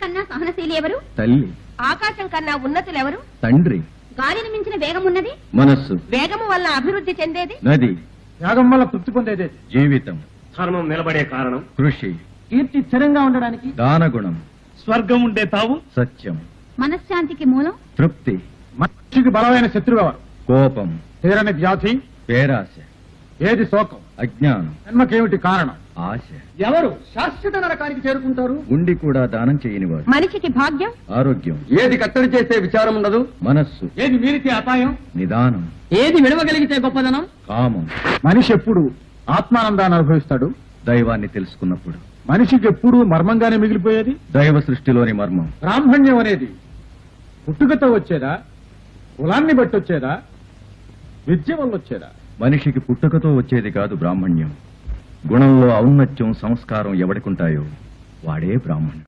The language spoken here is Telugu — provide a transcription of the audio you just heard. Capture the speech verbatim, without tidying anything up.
కన్నా సహనశీలి ఎవరు? తల్లి. ఆకాశం కన్నా ఉన్నతులెవరు? తండ్రి. గాలిని మించిన వేగమున్నది? మనస్సు. వేగము వల్ల అభివృద్ధి చెందేది? నది. త్యాగం వల్ల తృప్తి పొందేది జీవితం. ధర్మం నిలబడే కారణం కృషి. కీర్తి స్థిరంగా ఉండడానికి దానగుణం. స్వర్గం ఉండే తావు సత్యం. మనశ్శాంతికి మూలం? తృప్తి. మనిషికి బలమైన శత్రువు కోపం. తీరని వ్యాధి పేరాశ. ఏది శోకం? అజ్ఞానం. జన్మకేమిటి కారణం? ఆశ. ఎవరు శాశ్వత నరకానికి చేరుకుంటారు? ఉండి కూడా దానం చేయనివాడు. మనిషికి భాగ్యం? ఆరోగ్యం. ఏది కట్టడి చేసే విచారం ఉండదు? మనస్సు. ఏది మీరితే అపాయం? నిదానం. ఏది విడవగలిగితే గొప్పదనం? కామం. మనిషి ఎప్పుడు ఆత్మానందాన్ని అనుభవిస్తాడు? దైవాన్ని తెలుసుకున్నప్పుడు. మనిషికి ఎప్పుడు మర్మంగానే మిగిలిపోయేది? దైవ సృష్టిలోని మర్మం. బ్రాహ్మణ్యం అనేది పుట్టుకతో వచ్చేదా, కులాన్ని బట్టి వచ్చేదా, విద్య వల్ల వచ్చేదా? మనిషికి పుట్టుకతో వచ్చేది కాదు బ్రాహ్మణ్యం. గుణంలో ఔన్నత్యం, సంస్కారం ఎవడికుంటాయో వాడే బ్రాహ్మణుడు.